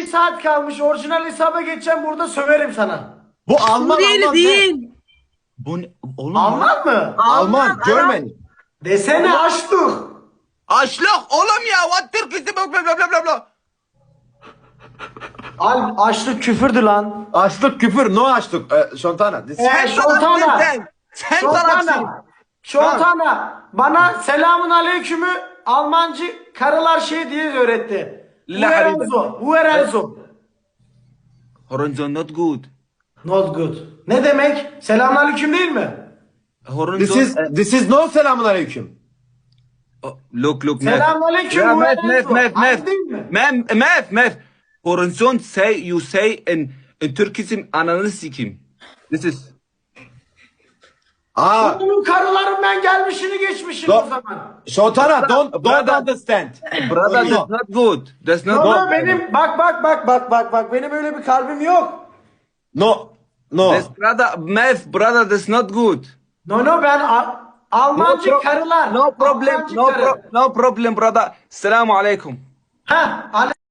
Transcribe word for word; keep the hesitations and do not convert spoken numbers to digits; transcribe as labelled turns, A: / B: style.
A: saat kalmış. Orijinal hesaba geçeceğim. Burada söverim sana.
B: Bu Alman,
C: Suriyeli
B: Alman.
C: değil.
D: Bu ne? Oğlum
A: Alman mı?
B: Alman, German.
A: Desene açtık.
D: Açlık oğlum ya. What Türkisi bla bla bla bla bla.
A: Al açlık küfürdü lan.
B: Açlık küfür, no açlık. Ee, Şontana. This-
A: Ee, Şoltana.
D: Sen, sen tarafsın.
A: Şoltana. Şoltana. Bana selamun aleykümü Almancı karılar şey diye öğretti.
D: La
A: Uerenzo. Uerenzo.
D: Horizon not good.
A: Not good. Ne demek? Selamun aleyküm değil mi?
D: Horizon.
B: This is, this is no selamun aleyküm.
D: Oh, look look Mef.
A: Selamun aleyküm.
D: Ya Mef
A: Uerenzo.
D: Mef Mef
A: Aynı
D: Mef.
A: değil mi?
D: Mef Mef Mef. Horizon say you say in in Türkçe ananı sikeyim. This is
B: Aa,
A: Bunun karıların ben gelmişini geçmişim
B: Do-
A: o zaman.
B: Şontana, don't, don't
D: Brother.
B: understand.
D: brother
B: No.
D: that's not good. That's not
A: Baba
D: good.
A: benim bak bak bak bak bak bak benim öyle bir kalbim yok.
B: No, no.
D: That's brother Mef brother that's not good.
A: No no ben Al- Almancı
D: pro-
A: karılar.
D: No problem.
A: Almancı
D: No
A: karı.
D: pro- no problem brother. Selamun aleyküm.
A: Heh,